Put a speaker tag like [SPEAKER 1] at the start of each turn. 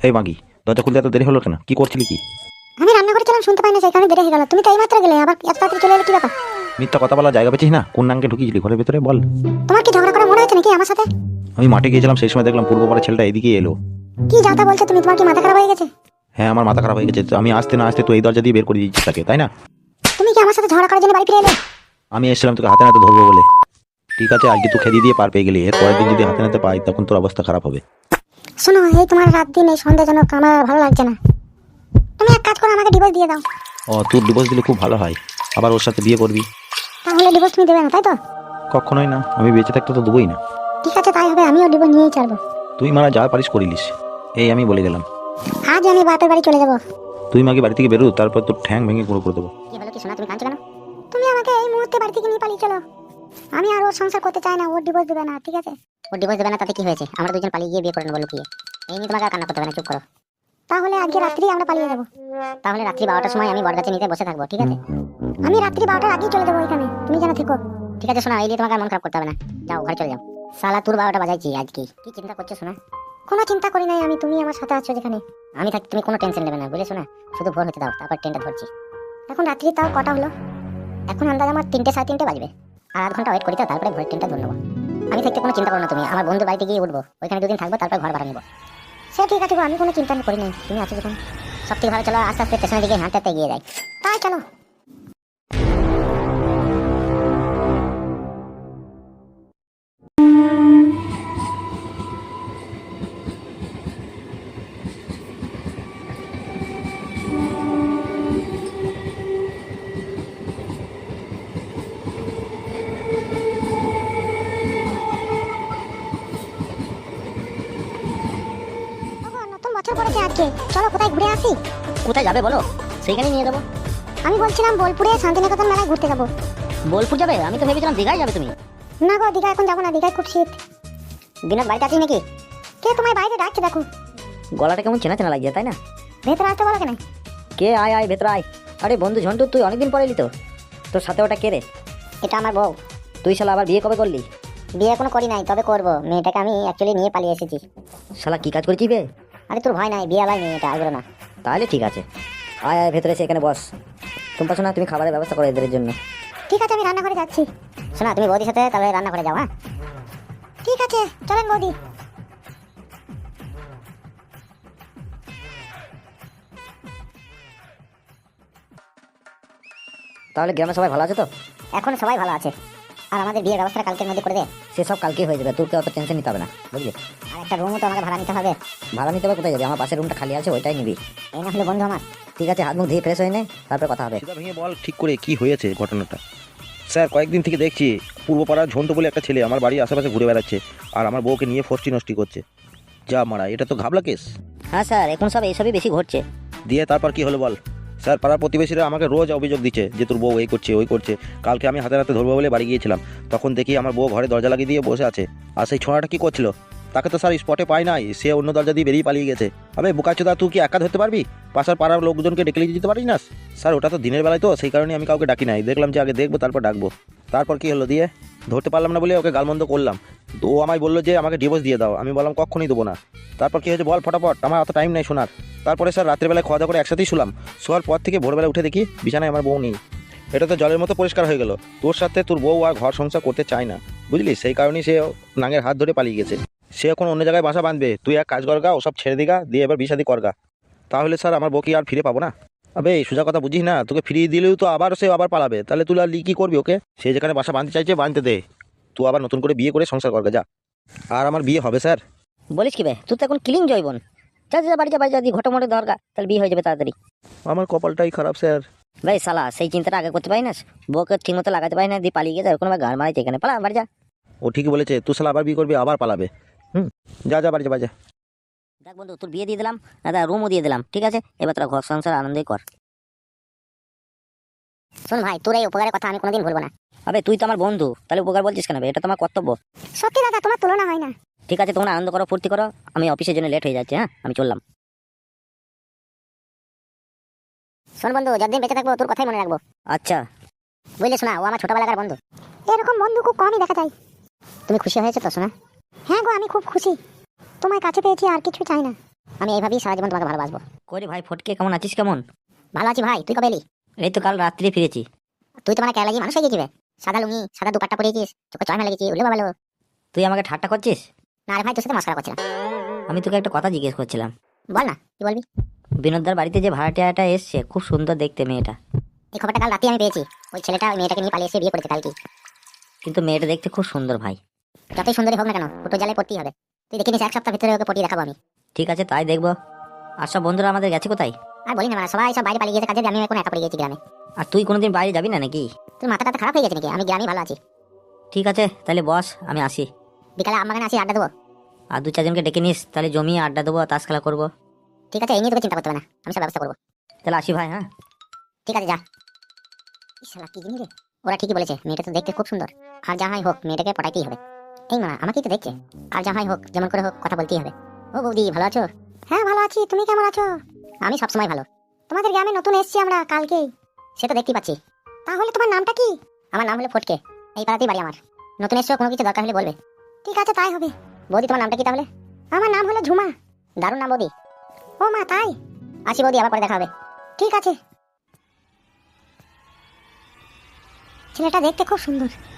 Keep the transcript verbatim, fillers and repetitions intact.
[SPEAKER 1] এই মাগি, দরজা খুলতে এত দেরি হলো কেন? কি করছিলি কি?
[SPEAKER 2] আমি রান্না করেছিলাম, শুনতে পাই না, সেই কারণে দেরি হয়ে গেল। তুমি তো এইমাত্র গেলে, আবার এত তাড়াতাড়ি চলে এলে, কি ব্যাপার?
[SPEAKER 1] মিথ্যা কথা বলা জায়গা পেয়েছিস না? কোন নাঙ্গে ঢুকিয়েছিলি ঘরের ভিতরে বল?
[SPEAKER 2] তোমার কি ঝগড়া করা মনে হচ্ছে নাকি আমার সাথে?
[SPEAKER 1] আমি মাঠে গিয়েছিলাম, সেই সময় দেখলাম পূর্ব পাড়ার ছেলেটা এদিকে এলো।
[SPEAKER 2] কি যাতা বলছো তুমি? তোমার কি মাথা খারাপ হয়ে গেছে?
[SPEAKER 1] হ্যাঁ, আমার মাথা খারাপ হয়ে গেছে। আমি আসতে না আসতে তুই এই দরজা দিয়ে বের করে দিচ্ছিস তাকে, তাই না?
[SPEAKER 2] তুমি কি আমার সাথে ঝগড়া করার জন্য বাড়ি ফিরে এলে?
[SPEAKER 1] আমি এসেছিলাম তোকে হাতে নাতে ধরবো বলে। ঠিক আছে, আজকে তুই খেদিয়ে দিয়ে পার পেয়ে গেলি, এর পরের দিন যদি হাতে নাতে পাই তখন তোর অবস্থা খারাপ হবে।
[SPEAKER 2] শোনো, এই তোমার রাত দিন এই সন্দেহজনক, আমার ভালো লাগছে না। তুমি এক কাজ করো, আমাকে ডিভোর্স দিয়ে দাও।
[SPEAKER 1] ও, তোর ডিভোর্স দিলে খুব ভালো হয়, আবার ওর সাথে বিয়ে করবি?
[SPEAKER 2] তাহলে ডিভোর্স তুমি দেবে না, তাই তো?
[SPEAKER 1] কখনোই না, আমি বেঁচে থাকতে তো দেবোই না।
[SPEAKER 2] ঠিক আছে, তাই হবে, আমিও ডিভোর্স নিয়েই ছাড়বো।
[SPEAKER 1] তুই মারা যা পারিস করিলিস, এই আমি বলে গেলাম।
[SPEAKER 2] আজ আমি বাপের বাড়ি চলে যাবো।
[SPEAKER 1] তুই মাকে বাড়ি থেকে বেরো, তারপর তোর ঠ্যাং ভেঙে গুঁড়ো করে দেবো।
[SPEAKER 2] কি হলো কি শোনা, তুমি কাঁদছো কেন? তুমি আমাকে এই মুহূর্তে বাড়ি থেকে নিয়ে পালিয়ে চলো। আমি আর ওর সংসার করতে চাই না, ওর ডিভোর্স দেবে না, ঠিক আছে? ওর ডিভোর্স দেবে না তাতে কি হয়েছে? আমরা দুজন পালিয়ে গিয়ে বিয়ে করে নেবো লুকিয়ে। এই নিয়ে তোমাকে আর কান্না করতে হবে না, চুপ করো। তাহলে আজকে রাত্রি আমরা পালিয়ে যাবো। তাহলে রাত্রি বারোটার সময় আমি বরগাছে নিতে বসে থাকবো, ঠিক আছে? আমি রাত্রি বারোটার আগেই চলে যাবো এখানে, তুমি যেন থেকো। ঠিক আছে শোনা, এই নিয়ে তোমাকে আর মন খারাপ করতে হবে না, যাও ঘরে চলে যাও। সালা তোর বারোটা বাজাইছি আজ, কি কি চিন্তা করছো শোনা? কোনো চিন্তা করি নাই আমি, তুমি আমার সাথে আছো যেখানে। আমি থাকি, তুমি কোনো টেনশন নেবে না, বুঝেছো না? শুধু ভোর হতে দাও, তারপর ট্রেনটা ধরছি। এখন রাত্রি তাও কটা হলো? এখন আন্দাজ আমার তিনটে সাড়ে তিনটে বাজবে। আর আধ ঘন্টা ওয়েট করি, তারপরে ভোরের ট্রেনটা ধরে নেবো। আমি থাকতে কোনো চিন্তা করো না তুমি, আমার বন্ধু বাড়িতে গিয়ে উঠবো, ওইখানে দুদিন থাকবো, তারপর ঘর ভাড়া নেবো। সে ঠিক আছে গো, আমি কোনো চিন্তা করি নাই, তুমি আছো যেখানে। সব থেকে ভালো, চলো আস্তে আস্তে স্টেশনের দিকে হাঁটতে হাঁটতে এগিয়ে যাই। তাই চলো। ওগো, নতুন বছর পড়েছে আজকে, চলো কোথায় ঘুরে আসি।
[SPEAKER 3] কোথায় যাবে বলো, সেইখানেই নিয়ে যাবো।
[SPEAKER 2] আমি বলছিলাম বোলপুরে শান্তিনিকেতন মেলায় ঘুরতে যাবো।
[SPEAKER 3] বোলপুর যাবে? আমি তো ভেবেছিলাম দীঘায় যাবে তুমি।
[SPEAKER 2] না গো, দীঘা এখন যাবো না, দীঘায় খুব শীত।
[SPEAKER 3] বিনোদ বাড়িতে আছিস নাকি?
[SPEAKER 2] কে তোমায় বাইরে ডাকছে দেখো।
[SPEAKER 3] গলাটা কেমন চেনা চেনা লাগছে, তাই না?
[SPEAKER 2] ভেতরে আসতে বলো কেন?
[SPEAKER 3] কে? আয় আয় ভেতরে আয়। আরে বন্ধু ঝন্টু, তুই অনেকদিন পরে এলি তো। তোর সাথে ওটা কে রে?
[SPEAKER 2] এটা আমার বউ।
[SPEAKER 3] তুই শালা আবার বিয়ে কবে করলি?
[SPEAKER 2] বিয়ে এখনো করি নাই, তবে করবো। মেয়েটাকে আমি অ্যাকচুয়ালি নিয়ে পালিয়ে এসেছি।
[SPEAKER 3] শালা কি কাজ করেছিস বে?
[SPEAKER 2] আরে তোর ভয় নাই, বিয়ে আলাই মেয়ে, এটা আসবে না।
[SPEAKER 3] তাহলে ঠিক আছে, আয় আয় ভেতরে এসে এখানে বস। টুম্পা শোনা, তুমি খাবারের ব্যবস্থা করো এদের জন্য।
[SPEAKER 2] ঠিক আছে, আমি রান্নাঘরে যাচ্ছি। শোনা, তুমি বৌদির সাথে তাহলে রান্নাঘরে যাও। হ্যাঁ ঠিক আছে, চলেন বৌদি।
[SPEAKER 3] তাহলে গ্রামে সবাই ভালো আছে তো?
[SPEAKER 2] এখন সবাই ভালো আছে। আর আমাদের বিয়ের ব্যবস্থা কালকের মধ্যে করে দে।
[SPEAKER 3] সেসব কালকেই হয়ে যাবে, তোর অত টেনশন নিতে হবে না, বুঝলি?
[SPEAKER 2] আর একটা রুমও তো আমাকে ভাড়া নিতে হবে।
[SPEAKER 3] ভাড়া নিতে হবে? কোথায় যাবে? আমার পাশের রুমটা খালি আছে, ওইটাই নিবি।
[SPEAKER 2] এই না হলে বন্ধু আমার।
[SPEAKER 3] ঠিক আছে, হাত মুখ ধুয়ে ফ্রেশ হয়ে নে, তারপরে কথা হবে।
[SPEAKER 1] সেটা ভেঙে বল ঠিক করে কি হয়েছে ঘটনাটা। স্যার, কয়েকদিন থেকে দেখছি পূর্বপাড়ার ঝন্টু বলে একটা ছেলে আমার বাড়ির আশেপাশে ঘুরে বেড়াচ্ছে, আর আমার বউকে নিয়ে ফষ্টি নষ্টি করছে। যা মারা, এটা তো ঘাবলা কেস।
[SPEAKER 3] হ্যাঁ স্যার, এখন সব এইসবই বেশি ঘটছে।
[SPEAKER 1] দিয়ে তারপর কি হলো বল? স্যার, পাড়ার প্রতিবেশীরা আমাকে রোজ অভিযোগ দিচ্ছে যে তোর বউ এই করছে ওই করছে। কালকে আমি হাতে হাতে ধরবো বলে বাড়ি গিয়েছিলাম, তখন দেখি আমার বউ ঘরে দরজা লাগিয়ে দিয়ে বসে আছে। আর সেই ছোঁড়াটা কি করছিল? তাকে তো স্যার স্পটে পাই নাই, সে অন্য দরজা দিয়ে বেরিয়ে পালিয়ে গেছে। আবে বোকাচোদা, তুই কি একা ধরতে পারবি? পাশার পাড়ার লোকজনকে ডেকে নিয়ে যেতে পারিস না? স্যার, ওটা তো দিনের বেলায়, তো সেই কারণে আমি কাউকে ডাকি নাই, দেখলাম যে আগে দেখবো তারপর ডাকবো। তারপর কি হলো দিয়ে? ধরতে পারলাম না বলে ওকে গালমন্দ করলাম, তো ও আমায় বললো যে আমাকে ডিভোর্স দিয়ে দাও। আমি বললাম কখনই দেবো না। তারপর কি হয়েছে বল ফটাফট, আমার অত টাইম নেই শোনার। তারপরে স্যার রাত্রেবেলায় খাওয়া দাওয়া করে একসাথেই শুলাম। শোয়ার পর থেকে ভোরবেলা উঠে দেখি বিছানায় আমার বউ নেই। এটা তো জলের মতো পরিষ্কার হয়ে গেল, তোর সাথে তোর বউ আর ঘর সংসার করতে চায় না, বুঝলি? সেই কারণেই সে নাঙের হাত ধরে পালিয়ে গেছে। সে এখন অন্য জায়গায় বাসা বাঁধবে, তুই এক কাজ করগা, ওসব ছেড়ে দিগা, দিয়ে এবার বিষাদি করগা। তাহলে স্যার আমার বউ কি আর ফিরে পাবো না? আবে সোজা কথা বুঝিস না, তোকে ফিরিয়ে দিলেও তো আবার সে আবার পালাবে, তাহলে তুই আর কি করবি ওকে? সে যেখানে বাসা বাঁধতে চাইছে বাঁধতে দে, তুই আবার নতুন করে বিয়ে করে সংসার করগা যা। আর আমার বিয়ে হবে স্যার।
[SPEAKER 3] বলিস কি বে, তুই তো এখন ক্লিন জয়বন। যা যা বাড়ি যা, বাড়ি যা, দিয়ে ঘটো মোটে দরকার, তাহলে বিয়ে হয়ে যাবে তাড়াতাড়ি।
[SPEAKER 1] আমার কপালটাই খারাপ স্যার।
[SPEAKER 3] ভাই শালা, সেই চিন্তাটা আগে করতে পারি না, বউকে ঠিক মতো লাগাতে পারি না, দিয়ে পালিয়ে গেছে, কোনো গাড় মারাইতে এখানে পালা, বাড়ি যা।
[SPEAKER 1] ও ঠিকই বলেছে, তুই শালা আবার বিয়ে করবি, আবার পালাবে। হুম, যা যা বাড়ি যা, বাড়ি যা।
[SPEAKER 3] দেখ বন্ধু, তোর বিয়ে দিয়ে দিলাম, দাদা রুমও দিয়ে দিলাম, ঠিক আছে? এবার তোরা ঘর সংসার আনন্দই কর।
[SPEAKER 2] শোন ভাই, তোর এই উপকারের কথা আমি কোনোদিন ভুলবো না।
[SPEAKER 3] আবে তুই তো আমার বন্ধু, তাহলে উপকার বলছিস কেন বে? এটা তো আমার কর্তব্য।
[SPEAKER 2] সত্যি দাদা, তোমার তুলনা হয় না।
[SPEAKER 3] ঠিক আছে, তোমরা আনন্দ করো, ফুর্তি করো, আমি অফিসের জন্য লেট হয়ে যাচ্ছে। হ্যাঁ, আমি চললাম।
[SPEAKER 2] শোন বন্ধু, যতদিন বেঁচে থাকবো তোর কথাই মনে রাখবো।
[SPEAKER 3] আচ্ছা।
[SPEAKER 2] বুঝলে শোনা, ও আমার ছোটবেলাকার বন্ধু। এরকম বন্ধু খুব কমই দেখা যায়। তুমি খুশি হয়েছে তো শোনা? হ্যাঁ গো, আমি খুব খুশি। তোমায় কাছে পেয়েছি, আর কিছু চাই না। আমি এইভাবেই সারা জীবন তোমাকে ভালোবাসবো।
[SPEAKER 3] করি ভাই ফটকে, কেমন আছিস? কেমন?
[SPEAKER 2] ভালো আছি ভাই, তুই কবে এলি?
[SPEAKER 3] এই তো কাল রাত্রি ফিরেছি।
[SPEAKER 2] তুই তো মানে কেলা মানুষ হয়ে গেছিবে। সাদা লুঙ্গি সাদা দুপাট্টা পরিয়েছিস, চোখে চশমা লেগেছি, উল্লে ভালো।
[SPEAKER 3] তুই আমাকে ঠাট্টা করছিস?
[SPEAKER 2] না রে ভাই, তোর সাথে মস্করা করছিলাম।
[SPEAKER 3] আমি তোকে একটা কথা জিজ্ঞেস করছিলাম।
[SPEAKER 2] বল না, কি বলবি?
[SPEAKER 3] বিনোদদার বাড়িতে যে ভাড়াটিয়াটা এসছে, খুব সুন্দর দেখতে মেয়েটা।
[SPEAKER 2] এই খবরটা কাল রাতে আমি পেয়েছি। ওই ছেলেটা ওই মেয়েটাকে নিয়ে পালিয়ে এসে বিয়ে করেছে কালকে।
[SPEAKER 3] কিন্তু মেয়েটা দেখতে খুব সুন্দর ভাই।
[SPEAKER 2] যতই সুন্দরী হোক না কেন, ফুটো জালে পড়তেই হবে। তুই দেখে নিস, এক সপ্তাহ ভিতরে ওকে পটিয়ে দেখাবো আমি।
[SPEAKER 3] ঠিক আছে, তাই দেখবো। আর সব বন্ধুরা আমাদের গেছে কোথায়?
[SPEAKER 2] আর বলি না মানে, সবাই সব বাইরে পালিয়ে গেছে কাজে, আমি এখন একা পড়ে গেছি গ্রামে।
[SPEAKER 3] আর তুই কোনোদিন বাইরে যাবি না নাকি?
[SPEAKER 2] তোর মাথাটা তো খারাপ হয়ে গেছে নাকি? আমি গ্রামে ভালো আছি।
[SPEAKER 3] ঠিক আছে তাহলে বস, আমি আসি।
[SPEAKER 2] বিকালে আমাকে আসি, আড্ডা দেবো।
[SPEAKER 3] আর দু চারজনকে ডেকে নিস, তাহলে জমিয়ে আড্ডা দেবো, তাস খেলা করবো।
[SPEAKER 2] ঠিক আছে, এই নিয়ে তোকে চিন্তা করতে হবে না, আমি সব ব্যবস্থা করবো।
[SPEAKER 3] তাহলে আসি ভাই। হ্যাঁ
[SPEAKER 2] ঠিক আছে, যা। ইস শালা, কি জিনিস রে। ওরা ঠিকই বলেছে, মেয়েটা তো দেখতে খুব সুন্দর। আর যাহাই হোক মেয়েটাকে পটাইতেই হবে। এই মা, আমাকেই তো দেখছে। আর যাহাই হোক, যেমন করে হোক, কথা বলতেই হবে। ও বৌদি, ভালো আছো? হ্যাঁ ভালো আছি, তুমি কেমন আছো? আমি সবসময় ভালো। তোমাদের গ্রামে নতুন এসেছি আমরা কালকেই। সে তো দেখতেই পাচ্ছি। তাহলে তোমার নামটা কি? আমার নাম হলো ফটকে। এই পাড়াতেই বাড়ি আমার। নতুন এসছো, কোনো কিছু দরকার হলে বলবে। ঠিক আছে, তাই হবে। বৌদি, তোমার নামটা কি তাহলে? আমার নাম হলো ঝুমা। দারুণ নাম বৌদি। ও মা, তাই? আসি বৌদি, আবার পরে দেখা হবে। ঠিক আছে। ছেলেটা দেখতে খুব সুন্দর।